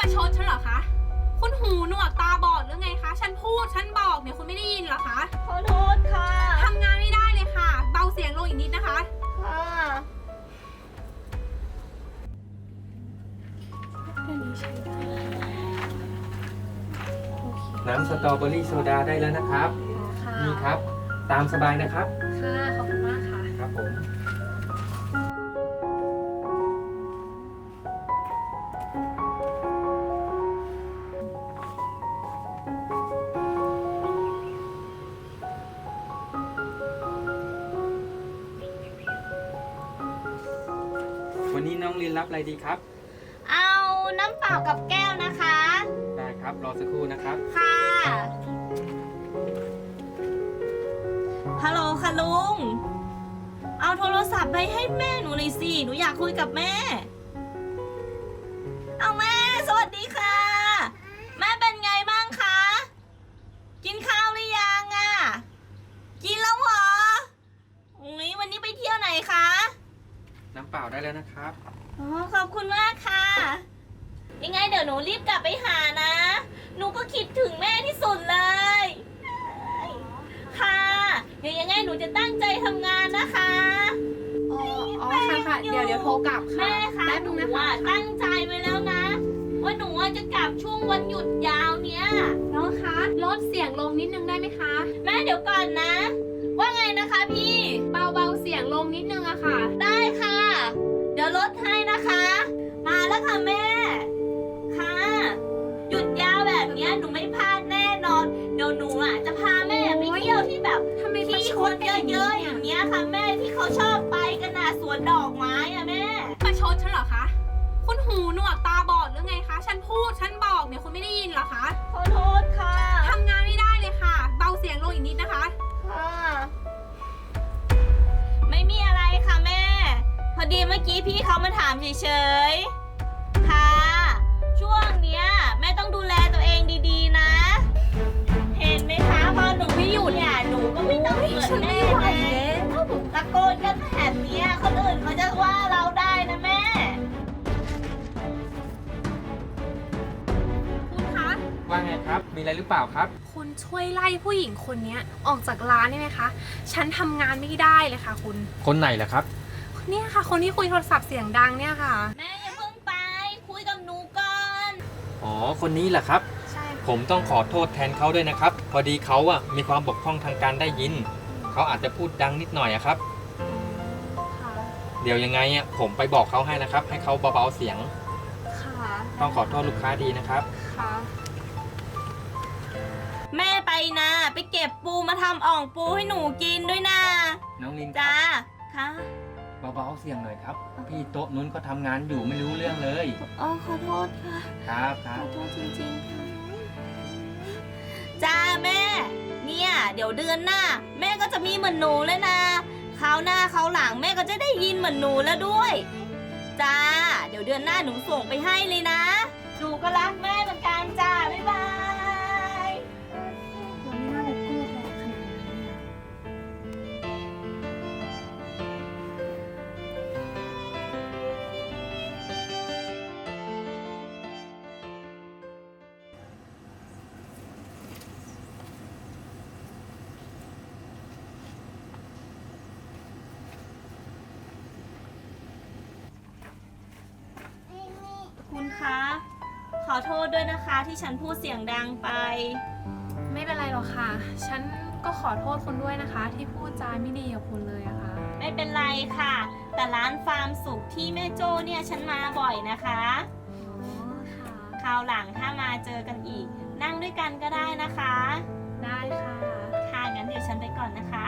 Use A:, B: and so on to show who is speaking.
A: ประชดฉันเหรอคะคุณหูหนวกตาบอดหรือไงคะฉันพูดฉันบอกเนี่ยคุณไม่ได้ยินเหรอคะ
B: ขอโทษค่ะ
A: ทำงานไม่ได้เลยค่ะเบาเสียงลงอีกนิดนะคะ
B: ค่ะ
C: น้ำสตรอเบอรี่โซดาได้แล้วนะครับนี่ครับตามสบายนะครับ
A: ค่ะขอบคุณมากค่ะ
C: ครับผมวันนี้น้องลินรับอะไรดีครับ
B: เอาน้ำเปล่ากับแก้วนะคะ
C: ได้ครับรอสักครู่นะครับ
B: ค่ะฮัลโหลค่ะลุงเอาโทรศัพท์ไปให้แม่หนูหน่อยสิหนูอยากคุยกับแม่เอาแม่สวัสดีค่ะแม่เป็นไงบ้างคะกินข้าวหรือยังอ่ะกินแล้วเหรอวันนี้ไปเที่ยวไหนคะ
C: น้ำเปล่าได้แล้วนะครับ
B: อ๋อขอบคุณมากค่ะยังไงเดี๋ยวหนูรีบกลับไปหานะหนูก็คิดถึงแม่ที่สุดเลยค่ะเดี๋ยวยังไงหนูจะตั้งใจทำงานนะคะ
A: อ๋อค่ะเดี๋ยวโทรกลับค่ะ
B: แม่คะหนูตั้งใจไว้แล้วนะว่าหนูจะกลับช่วงวันหยุดยาวเนี้ย
A: น้องคะลดเสียงลงนิดนึงได้ไหมคะ
B: แม่เดี๋ยวก่อนนะว่าไงนะคะพี่
A: เบาเสียงลงนิดนึงอะค่ะ
B: ได้ค่ะเดี๋ยวลดให้นะคะมาแล้วค่ะแม่ค่ะหยุดยาวแบบนี้หนูไม่พลาดแน่นอนเดี๋ยวหนูจะพาแม่ไปเที่ยวที่แบบที่คนเยอะๆอย่างเงี้ยค่ะแม่ที่เขาชอบไปกันนะสวนดอกไม้อะแม่
A: ประชดฉันเหรอคะคุณหูหนวกตาบอดหรือไงคะฉันพูดฉันบอกเนี่ยคุณไม่ได้ยินเหรอคะ
B: ขอโทษค่ะ
A: ทำงานไม่ได้เลยค่ะเบาเสียงลงอีกนิดนะคะ
B: ค่ะไม่มีอะไรค่ะแม่พอดีเมื่อกี้พี่เขามาถามเฉยๆค่ะช่วงเนี้ยแม่ต้องดูแลตัวเองดีๆนะเห็นไหมคะพอหนูไม่อยู่เนี่ยหนูก็ไม่ต้องเหมือนแม่เลยตะโกนกันแบบนี้คนอื่นเขาจะว่าเราได้นะแม่
A: คุณคะ
C: ว่าไงครับมีอะไรหรือเปล่าครับ
A: คุณช่วยไล่ผู้หญิงคนนี้ออกจากร้านได้ไหมคะฉันทำงานไม่ได้เลยค่ะคุณ
C: คนไหนล่ะครับ
A: เนี่ยค่ะคนที่คุยโทรศัพท์เสียงดังเนี่ยค่ะ
B: แม่อย่าเพิ่งไปคุยกับหนูก่อน
C: อ๋อคนนี้แหละครับ
A: ใช่
C: ผมต้องขอโทษแทนเขาด้วยนะครับพอดีเขามีความบกพร่องทางการได้ยินเขาอาจจะพูดดังนิดหน่อยครับเดี๋ยวยังไงผมไปบอกเขาให้นะครับให้เขาเบาๆเสียงต้องขอโทษลูกค้าดีนะครับ
B: แม่ไปนะไปเก็บปูมาทำอ่องปูให้หนูกินด้วยนะ
C: น้องลิน
B: จ้าค่ะ
C: เบาๆเสียงหน่อยครับพี่โต๊ะนู้นเขาทำงานอยู่ไม่รู้เรื่องเลย
B: อ๋อขอโทษค่ะ
C: ครับ
B: ขอโทษจริงๆค่ะจ้าแม่เนี่ยเดี๋ยวเดือนหน้าแม่ก็จะมีเหมือนหนูเลยนะคราวหน้าคราวหลังแม่ก็จะได้ยินเหมือนหนูแล้วด้วยจ้าเดี๋ยวเดือนหน้าหนูส่งไปให้เลยนะหนูก็รักแม่เหมือนกันจ้าบ๊ายบาย
A: เราไม่น่าไปพูดแรงขนาดนั้น
B: คุณคะขอโทษด้วยนะคะที่ฉันพูดเสียงดังไป
A: ไม่เป็นไรหรอกค่ะฉันก็ขอโทษคุณด้วยนะคะที่พูดจาไม่ดีกับคุณเลยอะค่ะ
B: ไม่เป็นไรค่ะแต่ร้านฟาร์มสุขที่แม่โจ้เนี่ยฉันมาบ่อยนะคะคราวหลังถ้ามาเจอกันอีกนั่งด้วยกันก็ได้นะคะ
A: ได้ค่ะ
B: ค่ะงั้นเดี๋ยวฉันไปก่อนนะคะ